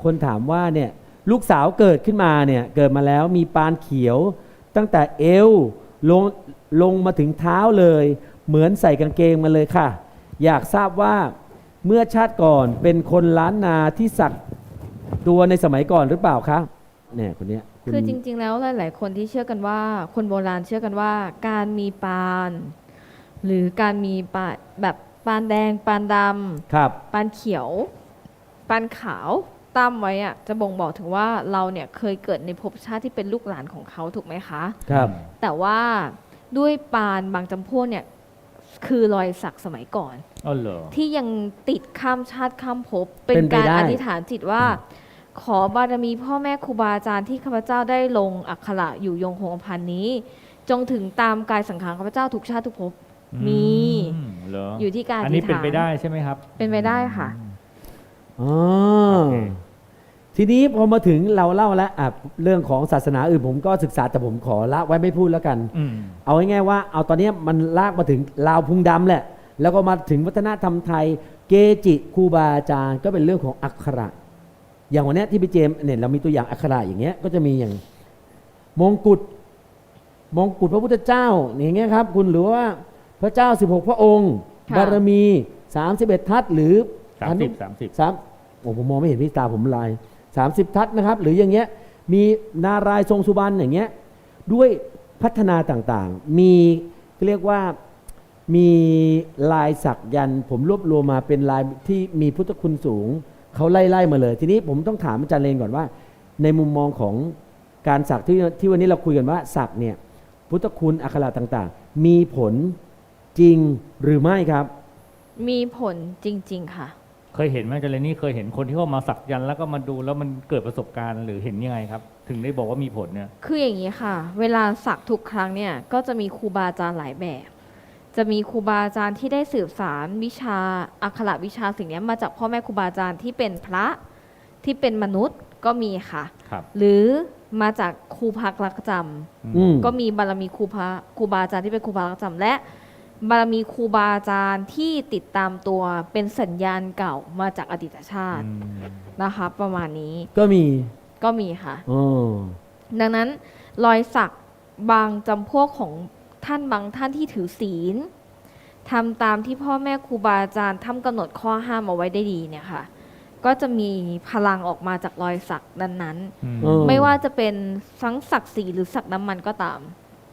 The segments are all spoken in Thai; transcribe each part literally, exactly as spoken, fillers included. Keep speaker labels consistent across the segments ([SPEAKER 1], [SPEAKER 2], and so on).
[SPEAKER 1] คนถามว่าเนี่ยลูกสาวเกิดขึ้นมาเนี่ยเกิดมาแล้วมีปานเขียวตั้งแต่เอวลงลงมาถึงเท้าเลยเหมือนใส่กางเกงมาเลยค่ะอยากทราบว่าเมื่อชาติก่อนเป็นคนล้านนาที่สักตัวในสมัยก่อนหรือเปล่าคะเนี่ยคนเนี้ย
[SPEAKER 2] คือจริงๆแล้วหลายๆคนที่เชื่อกันว่าคนโบราณเชื่อกันว่าการมีปานหรือการมีปานแบบปานแดงปานดำ
[SPEAKER 1] ครับ
[SPEAKER 2] ปานเขียวปานขาวตั้มไว้อะจะบ่งบอกถึงว่าเราเนี่ยเคยเกิดในภพชาติที่เป็นลูกหลานของเขาถูกไหมคะ
[SPEAKER 1] ครับ
[SPEAKER 2] แต่ว่าด้วยปานบางจำพวกเนี่ยคือรอยสักสมัยก่อน
[SPEAKER 3] อ๋อเหรอ
[SPEAKER 2] ที่ยังติดข้ามชาติข้ามภพเป็นการอธิษฐานจิตว่าขอบารมีพ่อแม่ครูบาอาจารย์ที่ข้าพเจ้าได้ลงอักขระอยู่ยงคงกระพันนี้จงถึงตามกายสังขารข้าพเจ้าทุกชาติทุกภพมีอยู่ที่การอธิษฐานอัน
[SPEAKER 3] นี้เป็นไปได้ใช่ไหมครับ
[SPEAKER 2] เป็นไปได้ค่ะ
[SPEAKER 1] อ๋อทีนี้พอมาถึงเราเล่าแล้วอ่ะเรื่องของศาสนาอื่นผมก็ศึกษาแต่ผมขอละไว้ไม่พูดแล้วกันเอาง่ายๆว่าเอาตอนนี้มันลากมาถึงลาวพุงดำแหละแล้วก็มาถึงวัฒนธรรมไทยเกจิครูบาอาจารย์ก็เป็นเรื่องของอักขระอย่างวันนี้ที่พี่เจมเนี่ยเรามีตัวอย่างอักขระอย่างเงี้ยก็จะมีอย่างมงกุฎมงกุฎพระพุทธเจ้าอย่างเงี้ยครับคุณหรือว่าพระเจ้าสิบหกพระองค์บารมีสามสิบเอ็ดทัศหรือ
[SPEAKER 3] สามสิบ สามสิบ
[SPEAKER 1] สามโอ้ผมมองไม่เห็นพี่ตาผมลายสามสิบทัศนะครับหรืออย่างเงี้ยมีนารายณ์ทรงสุบรรณอย่างเงี้ยด้วยพัฒนาต่างๆมีเรียกว่ามีลายสักยันผมรวบรวมมาเป็นลายที่มีพุทธคุณสูงเขาไล่ๆมาเลยทีนี้ผมต้องถามอาจารย์เลนก่อนว่าในมุมมองของการสักที่ที่วันนี้เราคุยกันว่าสักเนี่ยพุทธคุณอักขระต่างๆมีผลจริงหรือไม่ครับ
[SPEAKER 2] มีผลจริงๆค่ะ
[SPEAKER 3] เคยเห็นไหมอาจารย์เลนนี่เคยเห็นคนที่เขามาสักยันแล้วก็มาดูแล้วมันเกิดประสบการณ์หรือเห็นยังไงครับถึงได้บอกว่ามีผลเนี่ย
[SPEAKER 2] คืออย่างนี้ค่ะเวลาสักทุกครั้งเนี่ยก็จะมีครูบาอาจารย์หลายแบบจะมีครูบาอาจารย์ที่ได้สืบสานวิชาอักขระวิชาสิ่งนี้มาจากพ่อแม่ครูบาอาจารย์ที่เป็นพระที่เป็นมนุษย์ก็มีค่ะหรือมาจากครูพักรักจำก็มีบารมีครูพระครูบาอาจารย์ที่เป็นครูพักรักจำและบารมีครูบาอาจารย์ที่ติดตามตัวเป็นสัญญาณเก่ามาจากอดีตชาตินะคะประมาณนี้
[SPEAKER 1] ก็มี
[SPEAKER 2] ก็มีค่ะดังนั้นรอยสักบางจำพวกของท่านบางท่านที่ถือศีลทำตามที่พ่อแม่ครูบาอาจารย์ทำกำหนดข้อห้ามเอาไว้ได้ดีเนี่ยค่ะก็จะมีพลังออกมาจากรอยสักนั้นๆไม่ว่าจะเป็นทั้งสักสีหรือสักน้ำมันก็ตาม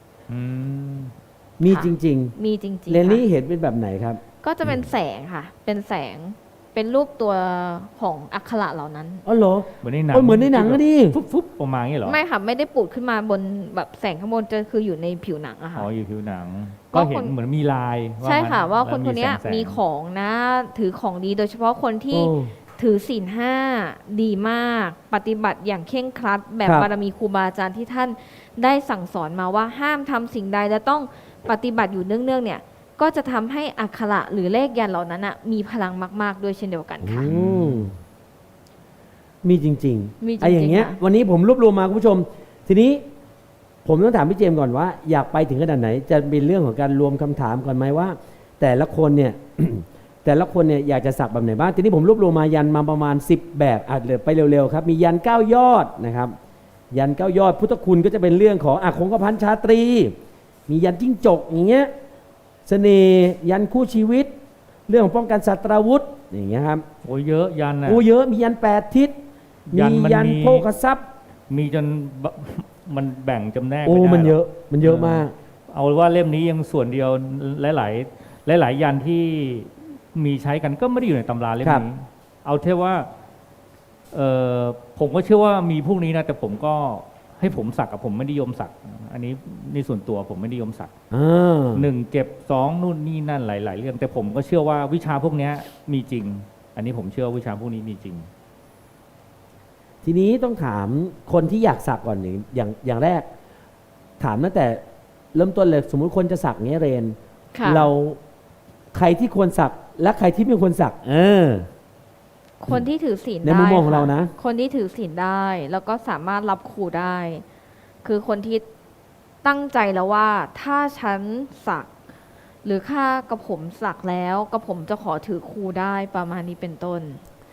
[SPEAKER 1] มีจริง
[SPEAKER 2] ๆมีจริงๆ
[SPEAKER 1] เรนนี่เห็นเป็นแบบไหนครับ
[SPEAKER 2] ก็จะเป็นแสงค่ะเป็นแสงเป็นรูปตัวของอักขระเหล่านั้น
[SPEAKER 1] อ๋อเหรอ
[SPEAKER 3] เหมือนในหนัง
[SPEAKER 1] เหมือนในหนังก็ดิ
[SPEAKER 3] ฟุบๆออกมาอย่างนี้เหรอ
[SPEAKER 2] ไม่ค่ะไม่ได้ปูดขึ้นมาบนแบบแสงข้างบนจะคืออยู่ในผิวหนังอะค่ะ
[SPEAKER 3] อ๋ออยู่ผิวหนังก็เห็นเหมือนมีลาย
[SPEAKER 2] ใช่ค่ะว่าคนคนนี้มีของนะถือของดีโดยเฉพาะคนที่ถือศีลห้าดีมากปฏิบัติอย่างเคร่งครัดแบบบารมีครูบาอาจารย์ที่ท่านได้สั่งสอนมาว่าห้ามทำสิ่งใดและต้องปฏิบัติอยู่เนื่องๆเนี่ยก็จะทำให้อักขระหรือเลขยันเหล่านั้นนะมีพลังมากๆด้วยเช่นเดียวกันค่ะ
[SPEAKER 1] มีจริงๆไอ้อย่างเงี้ยวันนี้ผมรวบรวมมาคุณผู้ชมทีนี้ผมต้องถามพี่เจมส์ก่อนว่าอยากไปถึงขนาดไหนจะเป็นเรื่องของการรวมคำถามก่อนไหมว่าแต่ละคนเนี่ย แต่ละคนเนี่ยอยากจะสักแบบไหนบ้างทีนี้ผมรวบรวมมายันมาประมาณสิบแบบอาจจะไปเร็วๆครับมียันเก้ายอดนะครับยันเก้ายอดพุทธคุณก็จะเป็นเรื่องของอาคงกพันชาตรีมียันจิ้งจกอย่างเงี้ยเสน่ห์ยันคู่ชีวิตเรื่องของป้องกันศัตราวุธอย่างเงี้ยครับ
[SPEAKER 3] โอ้เยอะยันอ่ะ
[SPEAKER 1] โอ้เยอะมียันแปดทิศมียันโภคทรัพย์
[SPEAKER 3] มีจนมันแบ่งจำแนก
[SPEAKER 1] โอ้มันเยอะมันเยอะมาก
[SPEAKER 3] เอาว่าเล่มนี้ยังส่วนเดียวหลายๆหลายๆยันที่มีใช้กันก็ไม่ได้อยู่ในตำราเล่มนี้เอาเท่ว่าเออผมก็เชื่อว่ามีพวกนี้นะแต่ผมก็ให้ผมสักกับผมไม่นิยมสักอันนี้ในส่วนตัวผมไม่นิยมสักหนึ่งเก็บสองนู่นนี่นั่นหลายๆเรื่องแต่ผมก็เชื่อว่าวิชาพวกนี้มีจริงอันนี้ผมเชื่อวิชาพวกนี้มีจริง
[SPEAKER 1] ทีนี้ต้องถามคนที่อยากสักก่อนอย่างอย่างแรกถามตั้งแต่เริ่มต้นเลยสมมุติคนจะสักเงี้ยเรนเราใครที่ควรสักและใครที่ไม่ควรสักเออ
[SPEAKER 2] คนที่ถือศีลได้
[SPEAKER 1] ในมุมมองของเรานะ
[SPEAKER 2] คนที่ถือศีลได้แล้วก็สามารถรับครูได้คือคนที่ตั้งใจแล้วว่าถ้าฉันสักหรือข้ากระผมสักแล้วกระผมจะขอถือครูได้ประมาณนี้เป็นต้น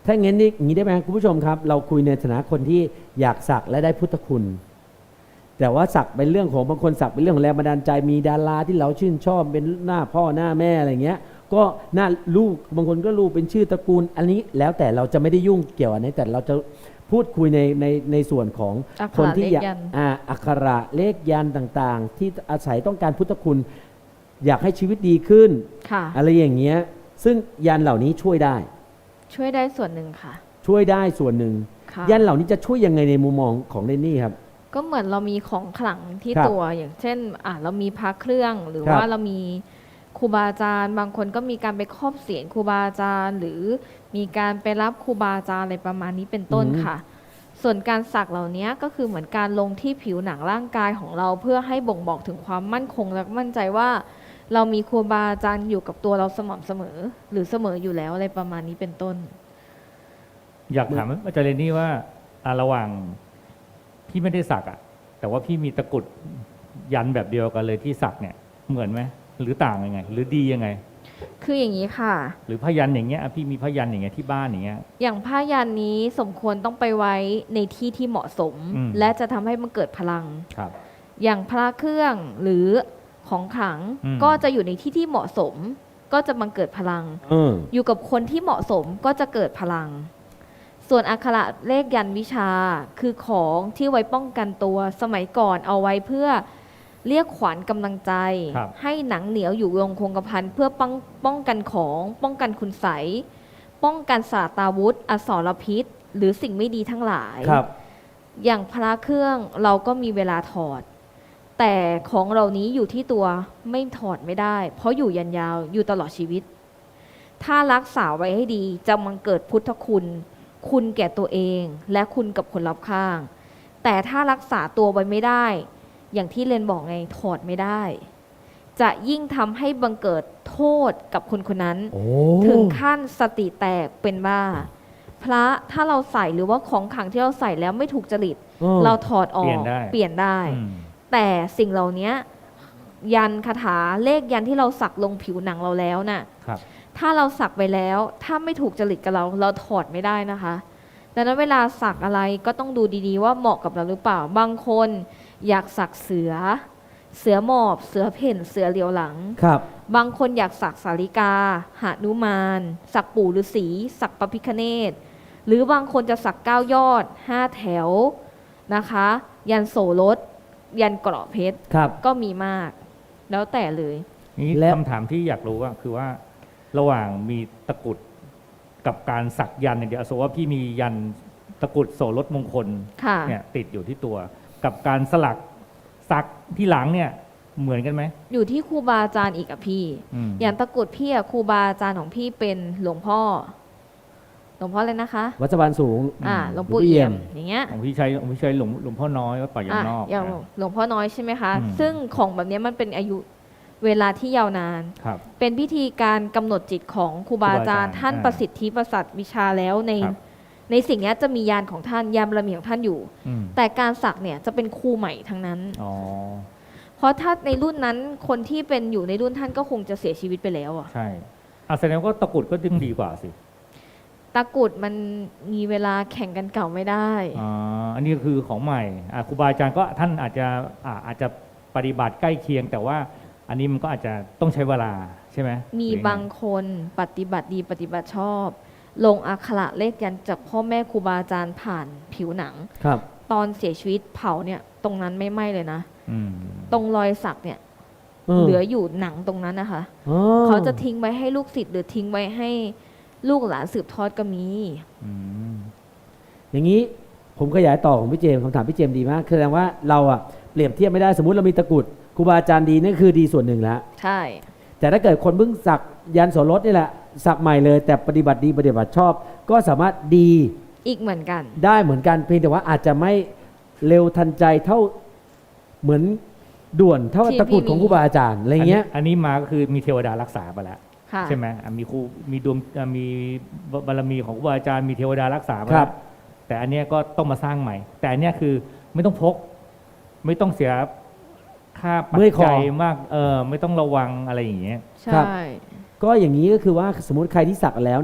[SPEAKER 1] ถ้าอย่างนี้อย่างนี้ได้ไหมคุณผู้ชมครับ เราคุยในฐานะคนที่อยากสักและได้พุทธคุณ แต่ว่าสักเป็นเรื่องของบางคนสักเป็นเรื่องของแรงบันดาลใจมีดาราที่เราชื่นชอบเป็นหน้าพ่อหน้าแม่อะไรเงี้ยก็หน้าลูกบางคนก็ลูกเป็นชื่อตระกูล อันนี้แล้วแต่เราจะไม่ได้ยุ่งเกี่ยวอันนี้แต่เราจะพูดคุยในในในส่วนของ
[SPEAKER 2] อักขระ
[SPEAKER 1] คนที่อยาก
[SPEAKER 2] เลขยันต์
[SPEAKER 1] อ่าอักขระเลขยันต์ต่างๆ ที่อาศัยต้องการพุทธคุณ อยากให้ชีวิตดีขึ้น
[SPEAKER 2] ค่ะ
[SPEAKER 1] อะไรอย่างเงี้ยซึ่งยันเหล่านี้ช่วยได้
[SPEAKER 2] ช่วยได้ส่วนหนึ่งค่ะ
[SPEAKER 1] ช่วยได้ส่วนหนึ่ง
[SPEAKER 2] ค่ะ
[SPEAKER 1] ยันเหล่านี้จะช่วยยังไงในมุมมองของเรนนี่ครับ
[SPEAKER 2] ก็เหมือนเรามีของขลังที่
[SPEAKER 1] ครับ
[SPEAKER 2] ตัวอย่างเช่นอ่ะเรามีพระเครื่องหรือ
[SPEAKER 1] ครับ
[SPEAKER 2] ว่าเรามีครูบาอาจารย์ บางคนก็มีการไปครอบเสียรครูบาอาจารย์ หรือมีการไปรับครูบาอาจารย์อะไรประมาณนี้เป็นต้น
[SPEAKER 1] อืม
[SPEAKER 2] ค่ะ ส่วนการสักเหล่านี้ก็คือเหมือนการลงที่ผิวหนังร่างกายของเราเพื่อให้บ่งบอกถึงความมั่นคงและมั่นใจว่า เรามีครูบาอาจารย์อยู่กับตัวเราสม่ำเสมอ หรือเสมออยู่แล้วอะไรประมาณนี้เป็นต้น
[SPEAKER 3] อยากถามอาจารย์เรนนี่ว่าอ่ะระหว่างพี่ไม่ได้สักอ่ะแต่ว่าพี่มีตะกรุดยันแบบเดียวกันเลยที่สักเนี่ยเหมือนไหมหรือต่างยังไง หรือดียังไง
[SPEAKER 2] คืออย่างนี้ค่ะ
[SPEAKER 3] หรือพยันอย่างเงี้ยอ่ะพี่มีพยันอย่างเงี้ยที่บ้านอย่างเงี้ย
[SPEAKER 2] อย่างผ้ายันนี้สมควรต้องไปไว้ในที่ที่เหมาะสม
[SPEAKER 3] อืม
[SPEAKER 2] และจะทำให้มันเกิดพลัง
[SPEAKER 3] ครับ
[SPEAKER 2] อย่างพระเครื่องหรือของขลัง
[SPEAKER 3] อืม
[SPEAKER 2] ก็จะอยู่ในที่ที่เหมาะสม ก็จะบังเกิดพลัง
[SPEAKER 1] เออ
[SPEAKER 2] อยู่กับคนที่เหมาะสมก็จะเกิดพลัง ส่วนอักขระเลขยันวิชาคือของที่ไว้ป้องกันตัวสมัยก่อนเอาไว้เพื่อเรียกขวัญกำลังใจ
[SPEAKER 3] ครับ
[SPEAKER 2] ให้หนังเหนียวอยู่ยงคงกระพันเพื่อป้องป้องกันของ ป้องกันคุณไสยป้องกันสาตาวุธอสรพิษ หรือสิ่งไม่ดีทั้งหลาย
[SPEAKER 1] ครับ
[SPEAKER 2] อย่างพระเครื่องเราก็มีเวลาถอด แต่ของเหล่านี้อยู่ที่ตัวไม่ถอดไม่ได้ เพราะอยู่ยันยาวอยู่ตลอดชีวิต ถ้ารักษาไว้ให้ดีจะมังเกิดพุทธคุณ คุณแก่ตัวเองและคุณกับคนรอบข้าง แต่ถ้ารักษาตัวไว้ไม่ได้ อย่างที่เรนบอกไงถอดไม่ได้ จะยิ่งทำให้บังเกิดโทษกับคนคนนั้น
[SPEAKER 1] โอ้
[SPEAKER 2] ถึงขั้นสติแตกเป็นบ้า พระถ้าเราใส่หรือว่าของขลังที่เราใส่แล้วไม่ถูกจริต
[SPEAKER 1] ออ
[SPEAKER 2] เราถอดออก
[SPEAKER 3] เปลี่ยนได้
[SPEAKER 2] เปลี่ยนได้
[SPEAKER 3] อืม
[SPEAKER 2] แต่สิ่งเหล่านี้ยันคาถาเลขยันที่เราสักลงผิวหนังเราแล้วน่ะ
[SPEAKER 3] ครับ
[SPEAKER 2] ถ้าเราสักไปแล้ว ถ้าไม่ถูกจริตกับเรา เราถอดไม่ได้นะคะดังนั้นเวลาสักอะไรก็ต้องดูดีๆว่าเหมาะกับเราหรือเปล่า บางคนอยากสักเสือ เสือหมอบ เสือเพ่น เสือเหลียวหลัง
[SPEAKER 1] ครับ
[SPEAKER 2] บางคนอยากสักสาริกาหนุมาน สักปู่ฤาษีสักพระพิฆเนศหรือบางคนจะสักเก้ายอดห้าแถวนะคะ ยันโสรถ ยันเกราะเพชร
[SPEAKER 1] ครับ
[SPEAKER 2] ก็มีมาก แล้วแต่เลย
[SPEAKER 3] นี่
[SPEAKER 1] และ
[SPEAKER 3] คำถามที่อยากรู้ว่าคือว่าระหว่างมีตะกรุดกับการสักยันต์อย่างเดียวสมมติว่าพี่มียันตะกรุดโสรถมงคล
[SPEAKER 2] ค่ะ
[SPEAKER 3] เนี่ยติดอยู่ที่ตัว กับการสลักสักที่หลังเนี่ยเหมือนกันไหม
[SPEAKER 2] อยู่ที่ครูบาอาจารย์อีกอะพี่
[SPEAKER 3] อืม
[SPEAKER 2] อย่างตะกรุดพี่อะครูบาอาจารย์ของพี่เป็นหลวงพ่อ หลวงพ่อเลยนะคะ
[SPEAKER 1] วัดสะพานสูง
[SPEAKER 2] อ่า หลวงปู่
[SPEAKER 1] หลวงปู่เอี่
[SPEAKER 2] เอี่
[SPEAKER 1] ย
[SPEAKER 2] ย
[SPEAKER 1] ม
[SPEAKER 2] ม อย่างเงี้ย
[SPEAKER 3] ของพี่ชัยของพี่ชัยหลวงหลวงพ่อน้อยวัดป่ายางนอก
[SPEAKER 2] อย่าง
[SPEAKER 3] นะ
[SPEAKER 2] หลวงพ่อน้อยใช่ไหมคะ
[SPEAKER 3] อืม
[SPEAKER 2] ซึ่งของแบบเนี้ยมันเป็นอายุเวลาที่ยาวนาน
[SPEAKER 3] ครับ
[SPEAKER 2] เป็นพิธีการกำหนดจิตของครูบาอาจารย์
[SPEAKER 3] ครูบาอาจารย์
[SPEAKER 2] ท่าน
[SPEAKER 3] อ่า
[SPEAKER 2] ประสิทธิประสัทวิชาแล้วใน
[SPEAKER 3] ครับ
[SPEAKER 2] ในสิ่งเนี้ยจะมียานของท่านยานบารมีของท่านอยู่
[SPEAKER 3] อืม
[SPEAKER 2] แต่การสักเนี่ยจะเป็นครูใหม่ทั้งนั้น
[SPEAKER 3] อ๋อ
[SPEAKER 2] เพราะถ้าในรุ่นนั้นคนที่เป็นอยู่ในรุ่นท่านก็คงจะเสียชีวิตไปแล้วอะ
[SPEAKER 3] ใช่อ่ะแสดงว่าตะกรุดก็ดึงดีกว่าสิ
[SPEAKER 2] ตะกรุดมันมีเวลาแข่งกันเก่าไม่ได้
[SPEAKER 3] อ๋ออันนี้คือของใหม่อ่ะครูบาอาจารย์ก็ท่านอาจจะอ่าอาจจะปฏิบัติใกล้เคียง แต่ว่าอันนี้มันก็อาจจะต้องใช้เวลาใช่ไหม
[SPEAKER 2] มี
[SPEAKER 3] หรือยังไง
[SPEAKER 2] บางคนปฏิบัติดีปฏิบัติชอบ ลงอักขระเลขยันต์จากพ่อแม่ครูบาอาจารย์ผ่านผิวหนัง
[SPEAKER 1] ครับ
[SPEAKER 2] ตอนเสียชีวิตเผาเนี่ยตรงนั้นไม่ไหม้เลยนะ
[SPEAKER 3] อืม
[SPEAKER 2] ตรงรอยสักเนี่ย
[SPEAKER 1] ม
[SPEAKER 2] เหลืออยู่หนังตรงนั้นนะคะ
[SPEAKER 1] อ๋อ
[SPEAKER 2] เขาจะทิ้งไว้ให้ลูกศิษย์หรือทิ้งไว้ให้ลูกหลานสืบทอดก็มี
[SPEAKER 3] อืม
[SPEAKER 1] อย่างนี้ผมขยายต่อของพี่เจมส์คำถามพี่เจมส์ดีมากคือแสดงว่าเราอะเปรียบเทียบไม่ได้สมมุติเรามีตะกรุดครูบาอาจารย์ดีนี่คือดีส่วนหนึ่งแล้ว
[SPEAKER 2] ใช่
[SPEAKER 1] แต่ถ้าเกิดคนเพิ่งสักยันโสรถนี่แหละสักใหม่เลย แต่ปฏิบัติดีปฏิบัติชอบ ก็สามารถดี
[SPEAKER 2] อีกเหมือนกัน
[SPEAKER 1] ได้เหมือนกันเพียงแต่ว่าอาจจะไม่เร็วทันใจเท่าเหมือนด่วนเท่า
[SPEAKER 2] ที่
[SPEAKER 1] ตะกรุด
[SPEAKER 2] พี่
[SPEAKER 1] ของ
[SPEAKER 2] มี
[SPEAKER 1] ครูบาอาจารย์อะไรเงี้ย
[SPEAKER 3] อันนี้มาก็คือมีเทวดารักษาไปแล้ว
[SPEAKER 2] ค่ะ
[SPEAKER 3] ใช่ไหมอ่ะมีครูมีดวงอ่ะมีบารมีของครูบาอาจารย์มีเทวดารักษาไป
[SPEAKER 1] ครั
[SPEAKER 3] แล้
[SPEAKER 1] บ
[SPEAKER 3] วแต่อันเนี้ยก็ต้องมาสร้างใหม่ แต่อันเนี้ยคือไม่ต้องพก ไม่ต้องเสียค่าปัจ
[SPEAKER 1] เมื่อยคอ
[SPEAKER 3] จัยมากเออไม่ต้องระวังอะไรอย่างเงี้ย
[SPEAKER 2] ใช่
[SPEAKER 1] ครับ ก็อย่างนี้ก็คือว่าสมมติใครที่สักแล้วเนี่ย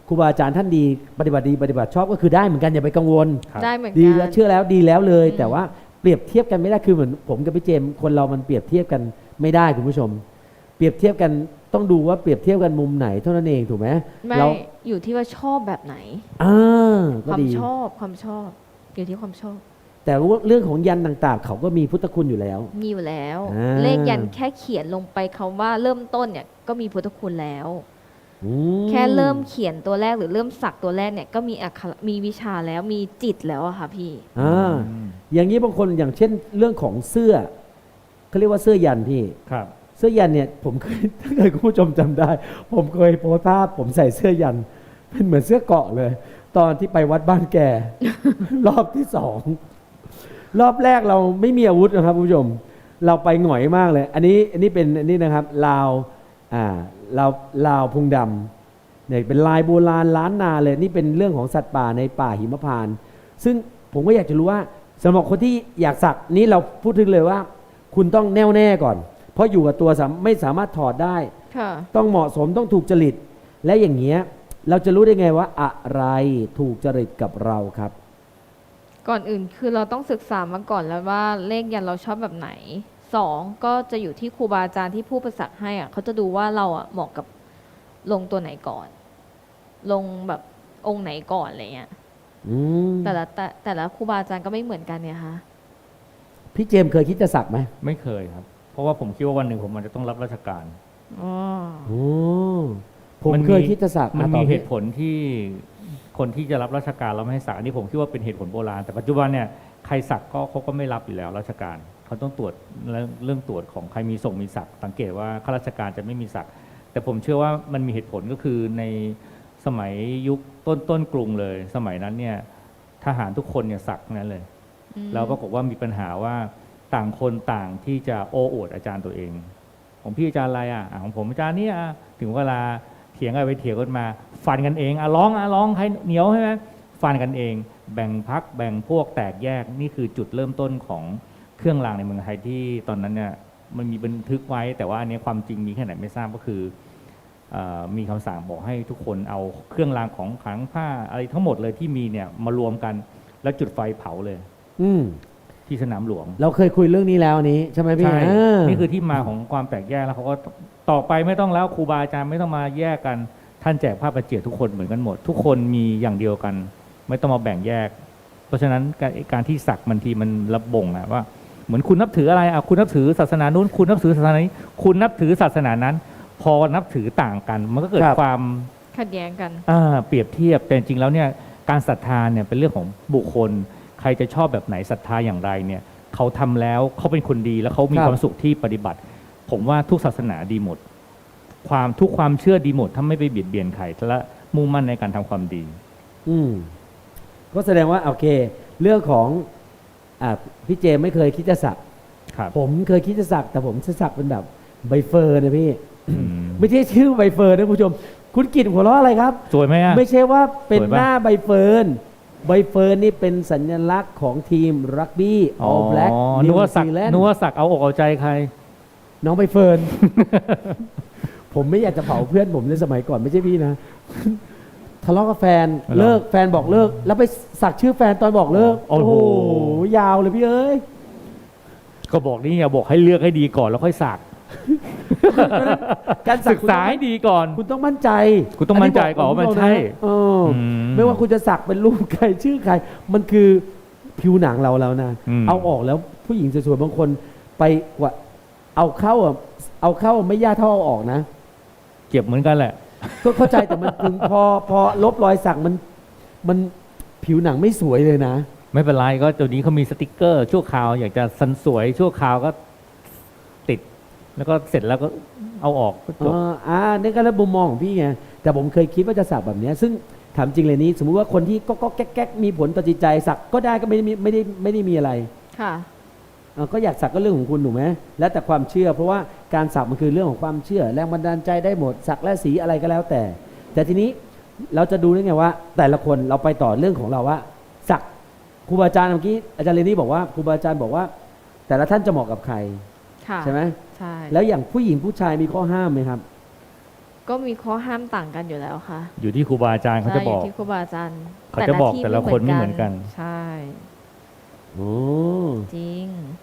[SPEAKER 1] ครูบาอาจารย์ท่านดีปฏิบัติดีปฏิบัติชอบก็คือได้เหมือนกันอย่าไปกังวล
[SPEAKER 3] ครับ
[SPEAKER 2] ได้เหมือน
[SPEAKER 1] ดี
[SPEAKER 2] กั
[SPEAKER 1] แล้ว
[SPEAKER 2] น
[SPEAKER 1] เชื่อแล้วดีแล้วเลย
[SPEAKER 2] อืม
[SPEAKER 1] แต่ว่าเปรียบเทียบกันไม่ได้คือเหมือนผมกับพี่เจมส์คนเรามันเปรียบเทียบกันไม่ได้คุณผู้ชม เปรียบเทียบกันต้องดูว่าเปรียบเทียบกันมุมไหนเท่านั้นเองถูกไหม
[SPEAKER 2] ไม่
[SPEAKER 1] เรา
[SPEAKER 2] อยู่ที่ว่าชอบแบบไหน
[SPEAKER 1] อ่า
[SPEAKER 2] ค
[SPEAKER 1] ก็
[SPEAKER 2] วาม
[SPEAKER 1] ดี
[SPEAKER 2] ชอบความชอบ อยู่ที่ความชอบ
[SPEAKER 1] แต่ว่าเรื่องของยันต่างๆ เขาก็มีพุทธคุณอยู่แล้ว
[SPEAKER 2] มีอยู่แล้ว
[SPEAKER 1] อ่า
[SPEAKER 2] เลขยันแค่เขียนลงไปคำว่าเริ่มต้นเนี่ยก็มีพุทธคุณแล้ว
[SPEAKER 1] อืม
[SPEAKER 2] แค่เริ่มเขียนตัวแรกหรือเริ่มสักตัวแรกเนี่ยก็มีอักขระมีวิชาแล้วมีจิตแล้วอะค่ะพี่
[SPEAKER 1] อ่าอย่างนี้บางคนอย่างเช่นเรื่องของเสื้อเขาเรียกว่าเสื้อยันพี่
[SPEAKER 3] ครับ
[SPEAKER 1] เสื้อยันเนี่ยผมเคย ถ้าเกิดคุณผู้ชมจำได้ ผมเคยโพสต์ภาพผมใส่เสื้อยัน เป็นเหมือนเสื้อเกราะเลย ตอนที่ไปวัดบ้านแก รอบที่สองรอบแรกเราไม่มีอาวุธนะครับคุณผู้ชม เราไปหงอยมากเลย อันนี้อันนี้เป็นอันนี้นะครับลาวอ่าลาวลาวพุงดำเนี่ยเป็นลายโบราณล้านนาเลย นี่เป็นเรื่องของสัตว์ป่าในป่าหิมพานต์ซึ่งผมก็อยากจะรู้ว่าสำหรับคนที่อยากสักนี้เราพูดถึงเลยว่า คุณต้องแน่วแน่ก่อน เพราะอยู่กับตัวสามไม่สามารถถอดได้
[SPEAKER 2] ค่ะ
[SPEAKER 1] ต้องเหมาะสมต้องถูกจริต และอย่างเงี้ยเราจะรู้ได้ไงว่าอะไรถูกจริตกับเราครับ
[SPEAKER 2] ก่อนอื่นคือเราต้องศึกษามาก่อนแล้วว่าเลขยันเราชอบแบบไหนสองก็จะอยู่ที่ครูบาอาจารย์ที่ผู้ประสักให้อ่ะเขาจะดูว่าเราอ่ะเหมาะกับลงตัวไหนก่อน ลงแบบองค์ไหนก่อนอะไรเงี้ย
[SPEAKER 1] อืม
[SPEAKER 2] แต่ละแต่แต่ละครูบาอาจารย์ก็ไม่เหมือนกันเนี่ยค่ะ
[SPEAKER 1] พี่เจมส์เคยคิดจะสักไหม
[SPEAKER 3] ไม่เคยครับ เพราะว่าผมคิดว่าวันหนึ่งผมมันจะต้องรับราชการ
[SPEAKER 2] อ๋อ
[SPEAKER 1] โอ้ผม
[SPEAKER 3] มันมี
[SPEAKER 1] เคยคิดจะสัก
[SPEAKER 3] มัน
[SPEAKER 1] อ่ะต่
[SPEAKER 3] มี
[SPEAKER 1] อ
[SPEAKER 3] เห
[SPEAKER 1] พี่
[SPEAKER 3] ตุผลที่คนที่จะรับราชการเราไม่ให้สักอันนี้ผมคิดว่าเป็นเหตุผลโบราณแต่ปัจจุบันเนี่ยใครสักก็เขาก็ไม่รับอยู่แล้วราชการเขาต้องตรวจเรื่องเรื่องตรวจของใครมีส่งมีสักสังเกตว่าข้าราชการจะไม่มีสักแต่ผมเชื่อว่ามันมีเหตุผลก็คือในสมัยยุคต้นต้นกรุงเลย สมัยนั้นเนี่ยทหารทุกคนเนี่ยสักทั้งนั้นเลย
[SPEAKER 2] อืม
[SPEAKER 3] แล้วปรากฏว่ามีปัญหาว่าต่างคนต่างที่จะโอ้อวดอาจารย์ตัวเอง ของพี่อาจารย์อะไรอ่ะอ่ะของผมอาจารย์เนี่ยอ่ะถึงเวลาเถียงกันไปเถียงกันมา ฟันกันเองอ่ะร้องอ่ะร้องใครเหนียวใช่ไหมฟันกันเอง แบ่งพักแบ่งพวกแตกแยกนี่คือจุดเริ่มต้นของเครื่องรางในเมืองไทยที่ตอนนั้นเนี่ยมันมีบันทึกไว้ แต่ว่าอันนี้ความจริงมีแค่ไหนไม่ทราบก็คือเอ่อมีคำสั่งบอกให้ทุกคนเอาเครื่องรางของขลังผ้าอะไรทั้งหมดเลยที่มีเนี่ยมารวมกันแล้วจุดไฟเผาเลย
[SPEAKER 1] อืม
[SPEAKER 3] ที่สนามหลวง
[SPEAKER 1] เราเคยคุยเรื่องนี้แล้วนี้ใช่ไหมพี่
[SPEAKER 3] ใช่
[SPEAKER 1] อ่า
[SPEAKER 3] นี่คือที่มาของความแตกแยกแล้วเขาก็ต่อไปไม่ต้องแล้วครูบาอาจารย์ไม่ต้องมาแยกกัน ท่านแจกผ้าประเจียดทุกคนเหมือนกันหมด ทุกคนมีอย่างเดียวกัน ไม่ต้องมาแบ่งแยก เพราะฉะนั้นการการที่สักบางทีมันระบ่งอะว่า เหมือนคุณนับถืออะไรอ่ะคุณนับถือศาสนานู้นคุณนับถือศาสนานี้คุณนับถือศาสนานั้น พอนับถือต่างกัน มันก็เกิดความ
[SPEAKER 2] ขัดแย้งกัน
[SPEAKER 3] อ่าเปรียบเทียบแต่จริงๆแล้วเนี่ยการศรัทธาเนี่ยเป็นเรื่องของบุคคล ใครจะชอบแบบไหนศรัทธาอย่างไรเนี่ยเขาทำแล้วเขาเป็นคนดีแล้วเขามีความสุขที่ปฏิบัติ ผมว่าทุกศาสนาดีหมด ความทุกความเชื่อดีหมดถ้าไม่ไปเบียดเบียนใครและมุ่งมั่นในการทำความดี
[SPEAKER 1] อืมก็แสดงว่าโอเค เรื่องของอ่าพี่เจมส์ไม่เคยคิดจะสัก
[SPEAKER 3] ครับ
[SPEAKER 1] ผมเคยคิดจะสัก แต่ผมจะสักเป็นแบบใบเฟิร์นนะพี่
[SPEAKER 3] อืม
[SPEAKER 1] ไม่ใช่ชื่อใบเฟิร์นนะคุณผู้ชม คุณกิตหัวเราะอะไรครับ
[SPEAKER 3] สวยไหมอ่ะ
[SPEAKER 1] ไม่ใช่ว่าเป็น
[SPEAKER 3] สวยปะ
[SPEAKER 1] หน้าใบเฟิร์นใบเฟิร์นนี่เป็นสัญลักษณ์ของทีมรักบี้ All Black
[SPEAKER 3] นึ
[SPEAKER 1] นิ
[SPEAKER 3] ก
[SPEAKER 1] ว
[SPEAKER 3] ว่าสัก
[SPEAKER 1] ซีแลนด์
[SPEAKER 3] นึกว่าสักเอาอกเอาใจใคร
[SPEAKER 1] น้องใบเฟิร์น ผมไม่อยากจะเผาเพื่อนผมในสมัยก่อนไม่ใช่พี่นะ ทะเลาะกับแฟน
[SPEAKER 3] เหรอ
[SPEAKER 1] เลิกแฟนบอกเลิก แล้วไปสักชื่อแฟนตอนบอกเลิก
[SPEAKER 3] โอ้โห
[SPEAKER 1] ยาวเลยพี่เอ้ย
[SPEAKER 3] ก็บอกนี่ไงบอกให้เลือกให้ดีก่อนแล้วค่อยสัก
[SPEAKER 1] การสั
[SPEAKER 3] ศึ
[SPEAKER 1] ก
[SPEAKER 3] กษาให้ดีก่อน
[SPEAKER 1] คุณต้องมั่นใจ
[SPEAKER 3] คุณต้องมั่นใจก่อนว่ามันใช่
[SPEAKER 1] เอออ
[SPEAKER 3] ม
[SPEAKER 1] ไม่ว่าคุณจะสักเป็นรูปใครชื่อใคร มันคือผิวหนังเราแล้วนะ
[SPEAKER 3] อืม
[SPEAKER 1] เอาออกแล้วผู้หญิงสวยๆบางคนไปกว่าเอาเข้าอ่ะเอาเข้าไม่ยากเท่าเอาออกนะ
[SPEAKER 3] เก็บเหมือนกันแหละ
[SPEAKER 1] ก็เข้าใจแต่มันถึงพอพอลบรอยสักมันมันผิวหนังไม่สวยเลยนะ
[SPEAKER 3] ไม่เป็นไรก็ตัวนี้เขามีสติกเกอร์ชั่วคราว อยากจะสันสวยชั่วคราวก็ติด แล้วก็เสร็จแล้วก็เอาออกก็จบ
[SPEAKER 1] อ่าอ่านี่ก็แล้วมุมมองของพี่ไงแต่ผมเคยคิดว่าจะสักแบบเนี้ยซึ่งถามจริงเลยนี้ สมมุติว่าคนที่ก็ก็แก๊กๆมีผลต่อจิตใจสักก็ได้ก็ไม่ได้มีไม่ได้ไม่ได้มีอะไร
[SPEAKER 2] ค่ะ
[SPEAKER 1] อ่าก็อยากสักก็เรื่องของคุณถูกไหมแล้วแต่ความเชื่อ เพราะว่าการสักมันคือเรื่องของความเชื่อ แรงบันดาลใจได้หมดสักและสีอะไรก็แล้วแต่ แต่ทีนี้เราจะดูได้ไงว่า แต่ละคนเราไปต่อเรื่องของเราว่า สักครูบาอาจารย์เมื่อกี้อาจารย์เรนนี่บอกว่าครูบาอาจารย์บอกว่า แต่ละท่านจะเหมาะกับใคร
[SPEAKER 2] ค่ะ
[SPEAKER 1] ใช่ไหม
[SPEAKER 2] ใช่
[SPEAKER 1] แล้วอย่างผู้หญิงผู้ชายมีข้อห้ามไหมครับ
[SPEAKER 2] ก็มีข้อห้ามต่างกันอยู่แล้วค่ะ
[SPEAKER 3] อยู่ที่ครูบาอาจารย์เขาจะ
[SPEAKER 2] ใช่
[SPEAKER 3] บอก
[SPEAKER 2] ยู่ที่ครูบาอาจารย์
[SPEAKER 3] เขาจะบอกแต่ละคนไม่เหมือนกัน
[SPEAKER 2] ใช่
[SPEAKER 1] โอ้
[SPEAKER 2] จริง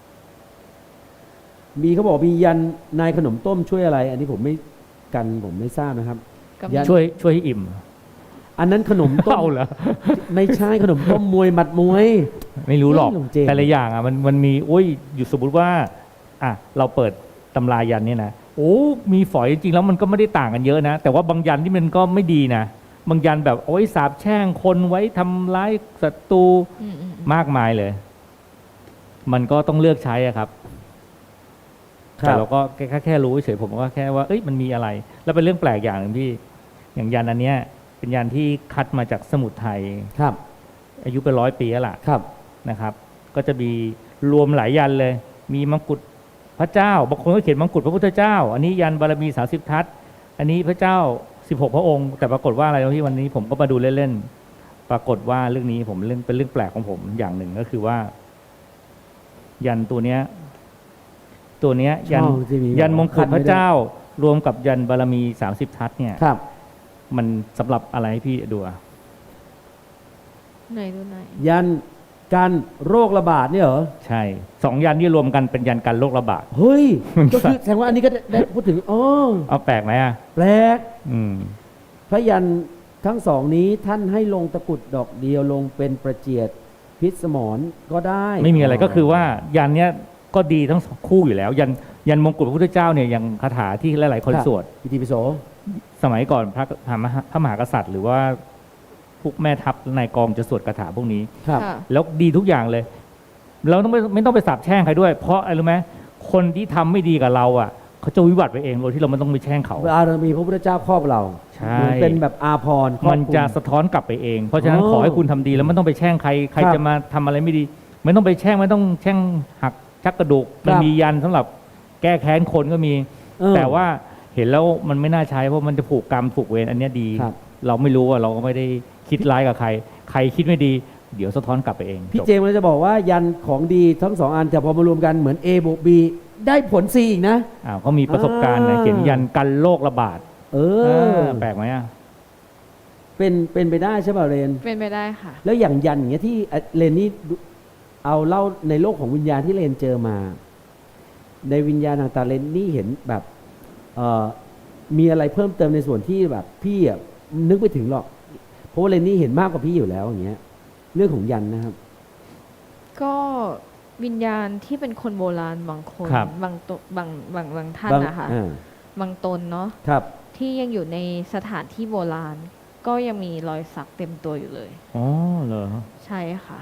[SPEAKER 1] มีเขาบอกมียันนายขนมต้มช่วยอะไร อันนี้ผมไม่กันผมไม่ทราบนะครับ
[SPEAKER 2] ก็มี
[SPEAKER 1] ยัน
[SPEAKER 3] ช่วยช่วยให้อิ่ม
[SPEAKER 1] อันนั้นขนมต้ม
[SPEAKER 3] เอาเหรอ
[SPEAKER 1] ไม่ใช่ขนมต้มมวยหมัดมวย
[SPEAKER 3] ไม่รู้หรอก
[SPEAKER 1] ไม่หลงเจน
[SPEAKER 3] แต่ละอย่างอ่ะมันมันมีโอ้ยอยู่สมมติว่าอ่ะเราเปิดตำรายันเนี่ยนะโอ้มีฝอยจริงๆแล้วมันก็ไม่ได้ต่างกันเยอะนะ แต่ว่าบางยันที่มันก็ไม่ดีนะบางยันแบบโอ้ยสาบแช่งคนไว้ทำร้ายศัตรู
[SPEAKER 2] อืมอืมอืม
[SPEAKER 3] มากมายเลย มันก็ต้องเลือกใช้อะครับ
[SPEAKER 1] ครับ
[SPEAKER 3] แต่เราก็แค่แค่แค่รู้เฉยผมก็แค่ว่าเอ้ยมันมีอะไร แล้วเป็นเรื่องแปลกอย่างหนึ่งพี่อย่างยันอันเนี้ยเป็นยันที่คัดมาจากสมุทรไทย
[SPEAKER 1] ครับ
[SPEAKER 3] อายุเป็นร้อยปีแล้วล่ะ
[SPEAKER 1] ครับ
[SPEAKER 3] นะครับ ก็จะมีรวมหลายยันเลย มีมังกุฎพระเจ้าบางคนก็เขียนมังกุฎพระพุทธเจ้า อันนี้ยันบารมีสามสิบทัศน์อันนี้พระเจ้าสิบหกพระองค์ แต่ปรากฏว่าอะไรที่วันนี้ผมก็มาดูเล่นๆปรากฏว่าเรื่องนี้ผมเรื่องเป็นเรื่องแปลกของผมอย่างหนึ่งก็คือว่า ยันตัวเนี้ย ตัวเนี้ย ยัน
[SPEAKER 1] ช่องที่มี
[SPEAKER 3] ยันมงกุฎพระ
[SPEAKER 1] คัดไว้ด้วย
[SPEAKER 3] เจ้า รวมกับยันบารมีสามสิบทัศน์เนี่ย
[SPEAKER 1] ครับ
[SPEAKER 3] มันสำหรับอะไรให้พี่ดูอะ
[SPEAKER 2] ไหนดูไหนอย
[SPEAKER 1] ยันการโรคระบาดเนี่ยเหรอ
[SPEAKER 3] ใช่สองยันที่รวมกันเป็นยันกันโรคระบาด
[SPEAKER 1] เฮ้ย ก็คือแสดงว่าอันนี้ก็ได้ได้พูดถึงอ๋อ
[SPEAKER 3] เอาแปลกไหมอะ
[SPEAKER 1] แปลก
[SPEAKER 3] อืม
[SPEAKER 1] พระยันทั้งสองนี้ท่านให้ลงตะกรุดดอกเดียวลงเป็นประเจียดพิษสมรก็ได้
[SPEAKER 3] ไม่มีอะไรก็คือว่ายันเนี้ยก็ดีทั้งสองคู่อยู่แล้ว ยันยันมงกุฎพระพุทธเจ้าเนี่ยยังคาถาที่หลายๆคนสวด
[SPEAKER 1] อิติปิโส
[SPEAKER 3] สมัยก่อนพระพระมหาพระมหากษัตริย์ หรือว่าพวกแม่ทัพนายกองจะสวดคาถาพวกนี้
[SPEAKER 1] ครับ
[SPEAKER 2] ค่ะ
[SPEAKER 3] แล้วดีทุกอย่างเลย เราต้องไม่ไม่ต้องไปสาบแช่งใครด้วย เพราะอะไรรู้ไหมคนที่ทำไม่ดีกับเราอ่ะเขาจะวิบัติไปเองโดยที่เราไม่ต้องไปแช่งเขา
[SPEAKER 1] เวลาเรามีพระพุทธเจ้าครอบเรา
[SPEAKER 3] ใช่
[SPEAKER 1] เหมือนเป็นแบบอาภรณ์ครอบ
[SPEAKER 3] มัน
[SPEAKER 1] คลุ
[SPEAKER 3] จะสะท้อนกลับไปเอง เพราะฉะนั้น
[SPEAKER 1] อ๋อ
[SPEAKER 3] ขอให้คุณทำดีแล้วไม่ต้องไปแช่งใคร ใคร
[SPEAKER 1] ครับ
[SPEAKER 3] จะมาทำอะไรไม่ดี ไม่ต้องไปแช่งไม่ต้องแช่งหักชักกระดูก
[SPEAKER 1] ครับ
[SPEAKER 3] มันมียันสำหรับแก้แค้นคนก็มี
[SPEAKER 1] เออ
[SPEAKER 3] แต่ว่าเห็นแล้วมันไม่น่าใช้เพราะมันจะผูกกรรมผูกเวรอันเนี้ยดี
[SPEAKER 1] ครับ
[SPEAKER 3] เราไม่รู้ว่าเราก็ไม่ได้คิดร้ายกับใคร ใครคิดไม่ดี เดี๋ยวสะท้อนกลับไปเอง
[SPEAKER 1] พี่
[SPEAKER 3] จบ
[SPEAKER 1] เจมส์เลยจะบอกว่ายันของดีทั้งสองอันแต่พอมารวมกันเหมือน A บวก B ได้ผล C อีกนะ
[SPEAKER 3] อ้าวเขามีประสบการณ์นะ
[SPEAKER 1] อ่า
[SPEAKER 3] เขียนยันกันโรคระบาด
[SPEAKER 1] เอ
[SPEAKER 3] เอ
[SPEAKER 1] อ
[SPEAKER 3] อแปลกไหมอ่ะ
[SPEAKER 1] เป็นเป็นไปได้ใช่ป่ะเรน
[SPEAKER 2] เป็นไปได้ค่ะ
[SPEAKER 1] แล้วอย่างยันอย่างเงี้ยที่เอ่อเรนนี่ดูเอาเล่าในโลกของวิญญาณที่เรนเจอมา ในวิญญาณต่างๆเรนนี่เห็นแบบเอ่อมีอะไรเพิ่มเติมในส่วนที่แบบพี่อ่ะนึกไม่ถึงหรอก เพราะว่าเรนนี่เห็นมากกว่าพี่อยู่แล้วอย่างเงี้ย เรื่องของยันนะครับ
[SPEAKER 2] ก็วิญญาณที่เป็นคนโบราณบางคน
[SPEAKER 3] ครับ
[SPEAKER 2] บางตบางบางบางท่าน
[SPEAKER 1] บาง
[SPEAKER 2] นะคะ
[SPEAKER 1] อ่า
[SPEAKER 2] บางตนเนาะ
[SPEAKER 1] ครับ
[SPEAKER 2] ที่ยังอยู่ในสถานที่โบราณ ก็ยังมีรอยสักเต็มตัวอยู่เลย
[SPEAKER 3] อ๋อเหรอ
[SPEAKER 2] ใช่ค่ะ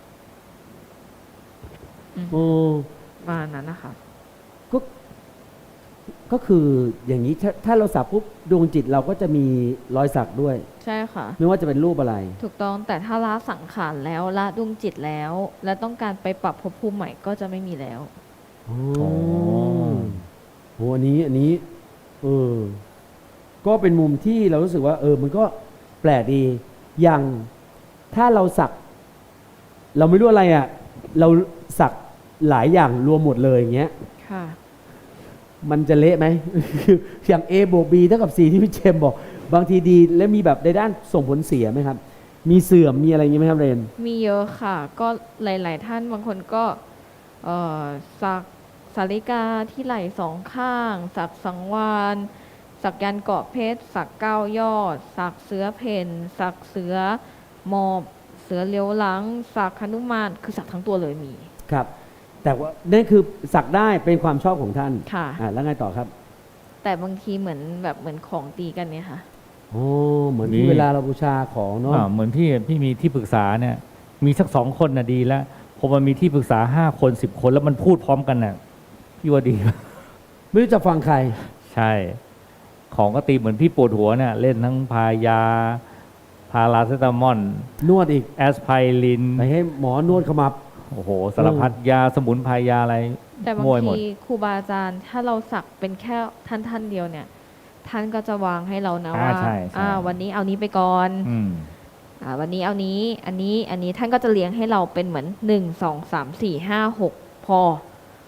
[SPEAKER 1] โอ้
[SPEAKER 2] ประมาณนั้นนะคะ
[SPEAKER 1] ก็ก็คืออย่างนี้ถ้าถ้าเราสักปุ๊บดวงจิตเราก็จะมีรอยสักด้วย
[SPEAKER 2] ใช่ค่ะ
[SPEAKER 1] ไม่ว่าจะเป็นรูปอะไร
[SPEAKER 2] ถูกต้องแต่ถ้าละสังขารแล้วละดวงจิตแล้ว และต้องการไปปรับภพภูมิใหม่ก็จะไม่มีแล้ว
[SPEAKER 1] อ๋อ
[SPEAKER 3] อ๋อ
[SPEAKER 1] โหอันนี้อันนี้ เออ ก็เป็นมุมที่เรารู้สึกว่า เออ มันก็แปลกดี อย่างถ้าเราสัก เราไม่รู้อะไรอ่ะ เราสักหลายอย่างรวมหมดเลยอย่างเงี้ย
[SPEAKER 2] ค่ะ
[SPEAKER 1] มันจะเละไหม อย่าง A บวก B เท่ากับ C ที่พี่เจมส์บอก บางทีดี และมีแบบในด้านส่งผลเสียไหมครับ มีเสื่อม มีอะไรอย่างนี้ไหมครับเรน
[SPEAKER 2] มีเยอะค่ะ ก็หลาย ๆ ท่านบางคนก็เอ่อสักสาริกาที่ไหล่สองข้าง สักสังวานสักยันเกาะเพชรสักเก้ายอด สักเสือเพนสักเสือหมอบ เสือเลี้ยวหลัง สักหนุมานคือสักทั้งตัวเลยมี
[SPEAKER 1] ครับ แต่ว่านั่นคือสักได้เป็นความชอบของท่าน
[SPEAKER 2] ค่ะ
[SPEAKER 1] อ่าแล้วไงต่อครับ
[SPEAKER 2] แต่บางทีเหมือนแบบเหมือนของตีกันเนี่ยค่ะ
[SPEAKER 1] โอ้เหมือนที่เวลาเราบูชาของเนาะ
[SPEAKER 3] อ่าเหมือนพี่พี่มีที่ปรึกษาเนี่ย มีสักสองคนน่ะดีแล้วพอมันมีที่ปรึกษาห้าคนสิบคนแล้วมันพูดพร้อมกันน่ะพี่ว่าดี
[SPEAKER 1] ไม่รู้จะฟังใคร
[SPEAKER 3] ใช่ ของก็ตีเหมือนพี่ปวดหัวเนี่ยเล่นทั้งพายา พาราเซตามอล
[SPEAKER 1] นวดอีก
[SPEAKER 3] แอสไพริน
[SPEAKER 1] ไปให้หมอนวดขมับ
[SPEAKER 3] โอ้โหสารพัดยาสมุนไพรยาอะไร
[SPEAKER 2] แต่บาง
[SPEAKER 3] มวยหมด
[SPEAKER 2] ทีครูบาอาจารย์ถ้าเราสักเป็นแค่ท่านท่านเดียวเนี่ย ท่านก็จะวางให้เรานะ
[SPEAKER 3] อ่า
[SPEAKER 2] ว่า
[SPEAKER 3] ใช่ใช่
[SPEAKER 2] อ่าวันนี้เอานี้ไปก่อน
[SPEAKER 3] อืม
[SPEAKER 2] อ่าวันนี้เอานี้ อันนี้อันนี้ท่านก็จะเลี้ยงให้เราเป็นเหมือนหนึ่งสองสามสี่ห้าหกพอ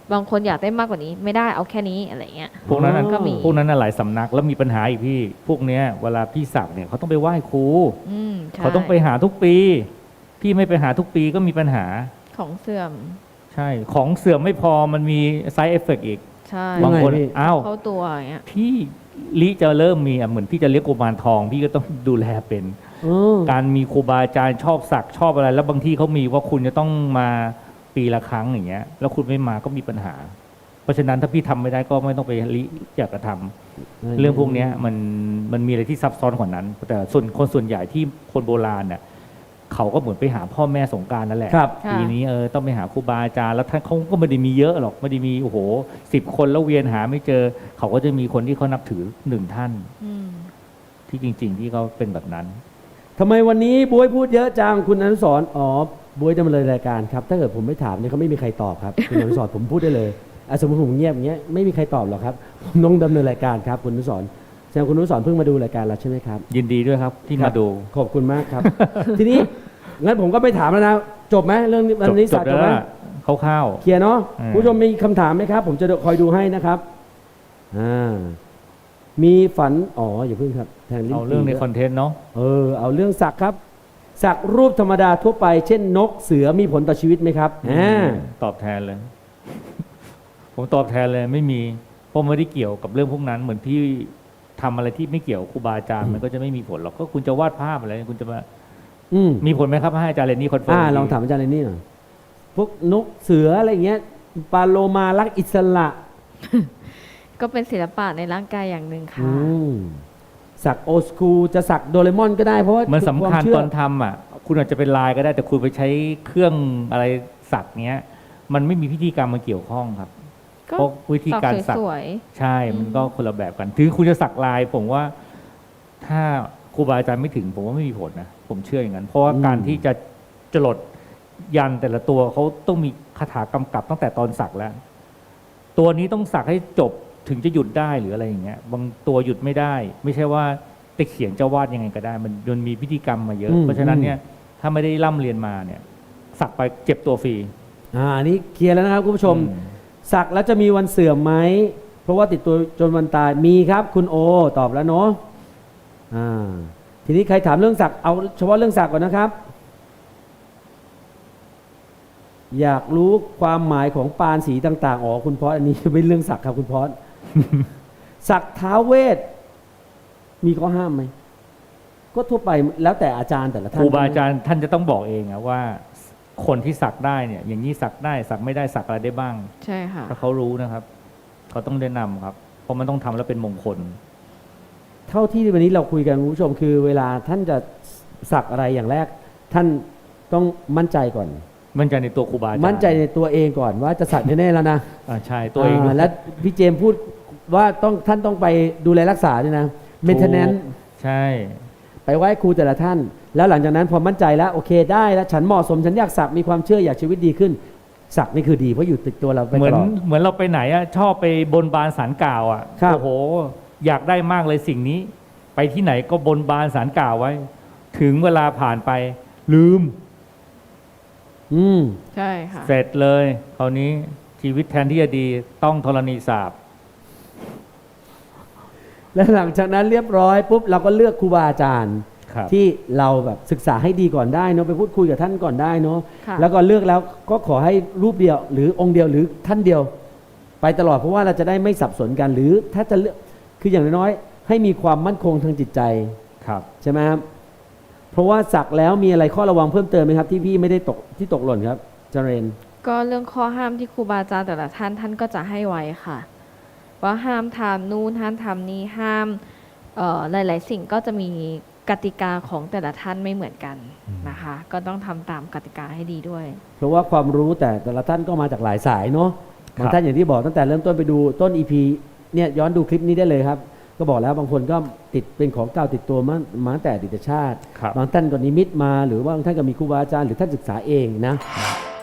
[SPEAKER 2] บางคนอยากได้มากกว่านี้ไม่ได้เอาแค่นี้อะไรเงี้ย
[SPEAKER 3] พวกนั้นน่ะ
[SPEAKER 2] ก็มี
[SPEAKER 3] พวกนั้นน่ะหลายสำนักแล้วมีปัญหาอีกพี่ พวกเนี้ยเวลาพี่สักเนี่ยเขาต้องไปไหว้ครู
[SPEAKER 2] อืมใช่
[SPEAKER 3] เขาต้องไปหาทุกปี พี่ไม่ไปหาทุกปีก็มีปัญหา
[SPEAKER 2] ของเสื่อม
[SPEAKER 3] ใช่ ของเสื่อมไม่พอมันมี side effect อีก
[SPEAKER 2] ใช่
[SPEAKER 3] บางคน
[SPEAKER 1] ยังไงพี่
[SPEAKER 3] อ้าว
[SPEAKER 2] เข้าตัวอย่างเงี้ย
[SPEAKER 3] พี่ลิจะเริ่มมีอ่ะเหมือนพี่จะเลี้ยงกุมารทอง พี่ก็ต้องดูแลเป็น
[SPEAKER 1] เออ
[SPEAKER 3] การมีครูบาอาจารย์ชอบสักชอบอะไร แล้วบางที่เขามีว่าคุณจะต้องมาปีละครั้งอย่างเงี้ย แล้วคุณไม่มาก็มีปัญหา เพราะฉะนั้นถ้าพี่ทำไม่ได้ก็ไม่ต้องไปลิอยากจะทำเรื่องพวกเนี้ยมันมันมีอะไรที่ซับซ้อนกว่านั้น แต่ส่วนคนส่วนใหญ่ที่คนโบราณเนี่ยเขาก็เหมือนไปหาพ่อแม่สงกรานต์นั่นแหละ
[SPEAKER 1] ครับ
[SPEAKER 3] ปีนี้เออต้องไปหาครูบาอาจารย์แล้วท่านเขาก็ไม่ได้มีเยอะหรอกไม่ได้มีโอ้โหสิบคนแล้วเวียนหาไม่เจอ เขาก็จะมีคนที่เขานับถือหนึ่งท่าน
[SPEAKER 2] อืม
[SPEAKER 3] ที่จริง ๆ ที่เขาเป็นแบบนั้น
[SPEAKER 1] ทำไมวันนี้บวยพูดเยอะจังคุณอนุสรณ์อ๋อบวยจะมาเลยรายการครับ ถ้าเกิดผมไม่ถามเนี่ยเขาไม่มีใครตอบครับ คุณอนุสรณ์ผมพูดได้เลยอ่ะสมมติผมเงียบอย่างเงี้ยไม่มีใครตอบหรอกครับผมต้องดำเนินรายการครับคุณอนุสรณ์แสดงคุณอนุสรณ์เพิ่งมาดูรายการเราใช่ไหมครับ
[SPEAKER 3] ยินดีด้วยครับที่
[SPEAKER 1] ครั
[SPEAKER 3] มา
[SPEAKER 1] บ
[SPEAKER 3] ดู
[SPEAKER 1] ขอบคุณมากครับ ทีนี้งั้นผมก็ไม่ถามแล้วนะจบไหมเรื่องนี้วันนี้
[SPEAKER 3] จ
[SPEAKER 1] สั
[SPEAKER 3] บ
[SPEAKER 1] กจ
[SPEAKER 3] แล้
[SPEAKER 1] บ
[SPEAKER 3] ว
[SPEAKER 1] ไหม
[SPEAKER 3] ล่ะคร่าว
[SPEAKER 1] เคลียร์เนาะ
[SPEAKER 3] อืม
[SPEAKER 1] คุณผู้ชมมีคำถามไหมครับ ผมจะคอยดูให้นะครับอ่ามีฝันอ๋ออย่าเพิ่งครับแทง
[SPEAKER 3] ๆ
[SPEAKER 1] ลิ้น
[SPEAKER 3] เอาเรื่องใน
[SPEAKER 1] ปี
[SPEAKER 3] คอนเทนต์เนาะ
[SPEAKER 1] เออเอาเรื่องสักครับ สักรูปธรรมดาทั่วไป เช่นนกเสือมีผลต่อชีวิตไหมครับอ่า
[SPEAKER 3] ตอบแทนเลย ผมตอบแทนเลยไม่มีเพราะไม่ได้เกี่ยวกับเรื่องพวกนั้น เหมือนพี่ทำอะไรที่ไม่เกี่ยวกับครูบาอาจารย์มันก็จะไม่มีผลหรอกก็คุณจะวาดภาพอะไรคุณจะมา
[SPEAKER 1] อืม
[SPEAKER 3] มีผลไหมครับให้อาจารย์เรนนี่คอนเฟิร์ม
[SPEAKER 1] อ่า
[SPEAKER 3] อีกที
[SPEAKER 1] ลองถามอาจารย์เลยนี่หน่อยพวกนกเสืออะไรเงี้ยปลาโลมารักอิสระ
[SPEAKER 2] ก็เป็นศิลปะในร่างกายอย่างหนึ่งค่ะ
[SPEAKER 1] อืมสักโอสคูจะสักโดเรมอนก็ได้เพราะว่า
[SPEAKER 3] มันสำคัญ
[SPEAKER 1] วาเชื่
[SPEAKER 3] ตอนทำอ่ะ คุณอาจจะเป็นลายก็ได้ แต่คุณไปใช้เครื่องอะไรสักเนี้ย มันไม่มีพิธีกรรมมาเกี่ยวข้องครับ
[SPEAKER 2] ก็
[SPEAKER 3] เพราะวิธีการสัก
[SPEAKER 2] สวย
[SPEAKER 3] ใช่ มันก็คนละแบบกัน ถึงคุณจะสักลาย ผมว่า ถ้าครูบาอาจารย์ไม่ถึง ผมว่าไม่มีผลนะ ผมเชื่ออย่างนั้น เพราะว่าการที่จะจรดยันแต่ละตัวเขาต้องมีคาถากำกับตั้งแต่ตอนสักแล้ว ตัวนี้ต้องสักให้จบถึงจะหยุดได้หรืออะไรอย่างเงี้ย บางตัวหยุดไม่ได้ ไม่ใช่ว่าจะเขียนจะวาดยังไงก็ได้ มันมันมีพิธีกรรมมาเยอะ
[SPEAKER 1] อืม
[SPEAKER 3] เพราะฉะนั้นเนี่ย ถ้าไม่ได้ร่ำเรียนมาเนี่ย สักไปเจ็บตัวฟรี
[SPEAKER 1] อ่าอันนี้เคลียร์แล้วนะครับคุณผู้ชม
[SPEAKER 3] อืม
[SPEAKER 1] สักแล้วจะมีวันเสื่อมไหม เพราะว่าติดตัวจนวันตายมีครับ คุณโอตอบแล้วเนาะอ่าทีนี้ใครถามเรื่องสักเอาเฉพาะเรื่องสักก่อนนะครับ อยากรู้ความหมายของปานสีต่างๆอ๋อคุณพอสอันนี้ เป็นเรื่องสักครับคุณพอส สักท้าวเวทมีข้อห้ามไหมก็ทั่วไปแล้วแต่อาจารย์แต่ละ
[SPEAKER 3] ค
[SPEAKER 1] ท่าน
[SPEAKER 3] รูบาอาจารย์ท่านจะต้องบอกเองอะว่า คนที่สักได้เนี่ย อย่างนี้สักได้สักไม่ได้สักอะไรได้บ้าง
[SPEAKER 2] ๆ ใช่ค่ะ
[SPEAKER 3] ถ้าเขารู้นะครับ เขาต้องแนะนำครับ เพราะมันต้องทำแล้วเป็นมงคล
[SPEAKER 1] เท่าที่วันนี้เราคุยกันคุณผู้ชมคือ เวลาท่านจะสักอะไรอย่างแรก ท่านต้องมั่นใจก่อน
[SPEAKER 3] มั่นใจในตัวครูบาอาจารย์
[SPEAKER 1] มั่นใจในตัวเองก่อนว่าจะสักแน่ๆแล้วนะ
[SPEAKER 3] อ่าใช่ตัวเองด้วย
[SPEAKER 1] าและพี่เจมส์พูดว่าต้องท่านต้องไปดูแลรักษาด้วยนะเมนเทนแนน
[SPEAKER 3] ถูกใช่
[SPEAKER 1] ไปไหว้ครูแต่ละท่าน แล้วหลังจากนั้นพอมั่นใจแล้วโอเคได้แล้วฉันเหมาะสมฉันอยากสักมีความเชื่ออยากชีวิตดีขึ้น สักนี่คือดีเพราะอยู่ติดตัวเราไป
[SPEAKER 3] เหมื
[SPEAKER 1] ต
[SPEAKER 3] อน
[SPEAKER 1] ลอด
[SPEAKER 3] เหมือนเราไปไหนอะชอบไปบนบานสารกล่าวอะ
[SPEAKER 1] ครับ
[SPEAKER 3] โอ้โห อยากได้มากเลยสิ่งนี้ ไปที่ไหนก็บนบานสารกล่าวไว้ ถึงเวลาผ่านไป ลืม
[SPEAKER 1] อืม
[SPEAKER 2] ใช่ค่ะ
[SPEAKER 3] เสร็จเลยคราวนี้ชีวิตแทนที่จะดีต้องธรณีสาป
[SPEAKER 1] แล้วหลังจากนั้นเรียบร้อยปุ๊บเราก็เลือกครูบาอาจารย์
[SPEAKER 3] ครับ
[SPEAKER 1] ที่เราแบบศึกษาให้ดีก่อนได้เนาะไปพูดคุยกับท่านก่อนได้เนาะ
[SPEAKER 2] ค่ะ
[SPEAKER 1] แล้วก็เลือกแล้วก็ขอให้รูปเดียว หรือองค์เดียวหรือท่านเดียว ไปตลอดเพราะว่าเราจะได้ไม่สับสนกัน หรือถ้าจะเลือกคืออย่างน้อยๆให้มีความมั่นคงทางจิตใจ
[SPEAKER 3] ครับ
[SPEAKER 1] ใช่ไหมครับเพราะว่าสักแล้วมีอะไรข้อระวังเพิ่มเติมไหมครับ ที่พี่ไม่ได้ตกที่ตกหล่นครับเจเรน
[SPEAKER 2] ก็เรื่องข้อห้ามที่ครูบาอาจารย์แต่ละท่านท่านก็จะให้ไว้ค่ะ ว่าห้ามทำนู่นห้ามทำนี่ห้ามเอ่อหลาย ๆ สิ่งก็จะมีกติกาของแต่ละท่านไม่เหมือนกันนะคะ ก็ต้องทำตามกติกาให้ดีด้วย
[SPEAKER 1] เพราะว่าความรู้แต่แต่ละท่านก็มาจากหลายสายเนาะ
[SPEAKER 3] ครับ
[SPEAKER 1] บางท่านอย่างที่บอกตั้งแต่เริ่มต้นไปดูต้น อี พี เนี่ยย้อนดูคลิปนี้ได้เลยครับ ก็บอกแล้วบางคนก็ติดเป็นของเก่าติดตัวมามาตั้งแต่อดีตชาติ
[SPEAKER 3] ครับ
[SPEAKER 1] บางท่านก็นิมิตมาหรือว่าบางท่านก็มีครูบาอาจารย์หรือท่านศึกษาเองนะ